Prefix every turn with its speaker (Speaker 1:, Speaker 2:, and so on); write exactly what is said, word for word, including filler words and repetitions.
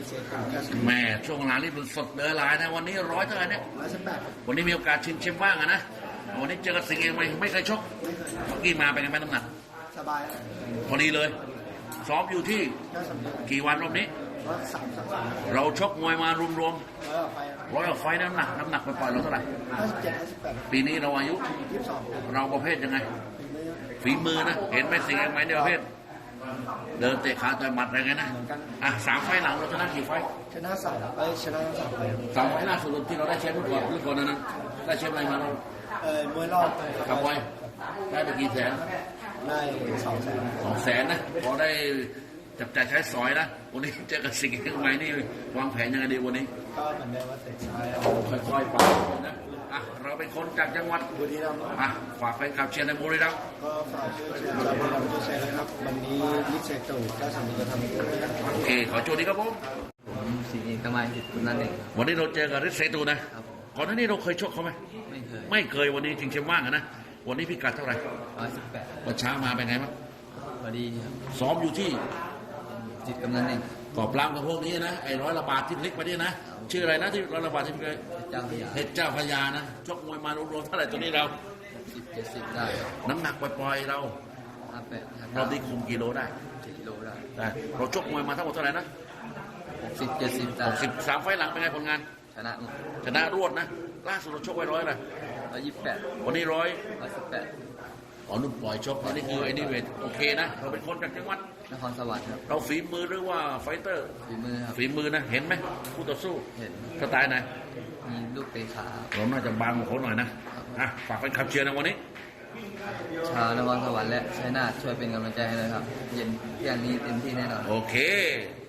Speaker 1: เซตครับ
Speaker 2: แม่ช่วงหลังนี่เป็นสดเดือหลายนะวันนี้ร้อยเท่าไหร่เนี่ย
Speaker 1: ร้อยสิบแปด
Speaker 2: วันนี้มีโอกาสชิงแชมป์บ้างอะนะวันนี้เจอกับสิงห์เองไหมไม่เคยชก
Speaker 1: ไม่เคย
Speaker 2: เมื่อกี้มาเป็นไงบ้างน้ำหนัก
Speaker 1: สบาย
Speaker 2: พอดีเลยซ้อมอยู่ที่
Speaker 1: ก็สำเร็จ
Speaker 2: กี่วันรอบนี้
Speaker 1: ร้อยสามสามสาม
Speaker 2: เราชกมวยมารวม
Speaker 1: ร้อยไป
Speaker 2: ๆร้อยกว่าไฟต์น้ำหนักน้ำหนักปล่อยๆเราเท่าไหร่
Speaker 1: ห้าสิบเจ็ดห้าสิบแปด
Speaker 2: ปีนี้เราอายุ
Speaker 1: ยี่สิบสอง
Speaker 2: เราประเภทยังไง ฝีมือนะเห็นไหมสิงห์เองไหมในประเภท เดินเตะขาต่อยหมัดอะไรกันนะอ่ะสามไฟต์หลังเราชนะกี่ไฟต์
Speaker 1: ชนะสามไปชนะสามไป
Speaker 2: สามไฟต์ล่าสุดที่เราได้แชมป์เมื่อก่อนเมื่อก่อนนั้นนะได้แชมป์อะไรมาเรา
Speaker 1: เอ่อมวยรอบ
Speaker 2: ขับไว้ได้ไปกี่แสน
Speaker 1: ได้สองแสน
Speaker 2: สองแสนนะพอได้จับจ่ายใช้สอยนะวันนี้เจอกับสิ่งที่ทำไมนี่วางแผนยังไงดีวันนี้
Speaker 1: ก็เหมือนเดิมว่าเตะซ้าย
Speaker 2: ค่อยๆไปนะอ่ะเราเป็นคนจากจังหวัด
Speaker 1: บุรีรัมย์
Speaker 2: อ่ะฝากแฟนคลับเชียร์ในบุรีรัมย์
Speaker 1: ก็ฝากช่วยเชียร์ชาวบุรีรัมย์ด้วยนะครับวันนี้ลิเซตูก็สำนึกจะทำให้ได้นะครับ
Speaker 2: โอเคขอโชคดีครับผม
Speaker 3: ผมสิงห์เอกมัยสิทธิ์คุณนั่นเอง
Speaker 2: วันนี้เราเจอกับฤทธิ์เซตูนะครับ
Speaker 3: ผม
Speaker 2: ก่อนหน้านี้เราเคยชกเขาไหม
Speaker 3: ไม่เคย
Speaker 2: ไม่เคยวันนี้จริงๆว่างอะนะวันนี้พิกัดเท่าไหร่
Speaker 3: ร้อยสิบแปด
Speaker 2: วันเช้ามาเป็นไงบ้าง
Speaker 3: พอดีครับ
Speaker 2: ซ้อมอยู่ที่
Speaker 3: จิตกำนันเอง
Speaker 2: กอบรามกับพวกนี้นะไอ้ร้อยระบาดที่พลิกมาเนี่ยนะชื่ออะไรนะที่ร้อยระบาดที่พลิกเลย
Speaker 3: เจ้าพระยา
Speaker 2: เพชรเจ้าพญานะชกมวยมารวมๆเท่าไหร่ตัวนี้เรา
Speaker 3: สิบเจ็ดสิบได้
Speaker 2: น้ำหนักปล่อยๆเรา
Speaker 3: ห้าแปดห้า
Speaker 2: เราได้คุมกิโลได้
Speaker 3: สิบกิโลได้
Speaker 2: ได้เราชกมวยมาทั้งหมดเท่าไหร่นะ
Speaker 3: หกสิบเจ็ดสิบได้
Speaker 2: หกสิบสามไฟล์หลังเป็นไงผลงาน
Speaker 3: ชนะหมด
Speaker 2: ชนะรวดนะล่าสุดเราชกไว้ร้อยเลย
Speaker 3: ร้อยยี่สิบแปด
Speaker 2: วันนี้ร้อย
Speaker 3: ร้อยสิบแปด
Speaker 2: อ๋อนุ่มปล่อยชกอันนี้คือไอ้นี่เวทโอเคนะเราเป็นคนจากจังหวัด
Speaker 3: นครสวรรค์ครับ
Speaker 2: เราฝีมือหรือว่าไฟเตอร์
Speaker 3: ฝีมือครับ
Speaker 2: ฝีมือนะเห็นไหมคู่ต่อสู้
Speaker 3: เห็น
Speaker 2: สไตล์ไหน
Speaker 3: มีลูกเตะขา
Speaker 2: เราน่าจะบางกว่าเขาหน่อยนะอ่ะฝากแฟนคลับเชียร์นะวันนี้
Speaker 3: ชาวนครสวรรค์และชัยนาทช่วยเป็นกำลังใจให้เลยครับ เย็นเที่ยงนี้เต็มที่แน่นอน
Speaker 2: โอเค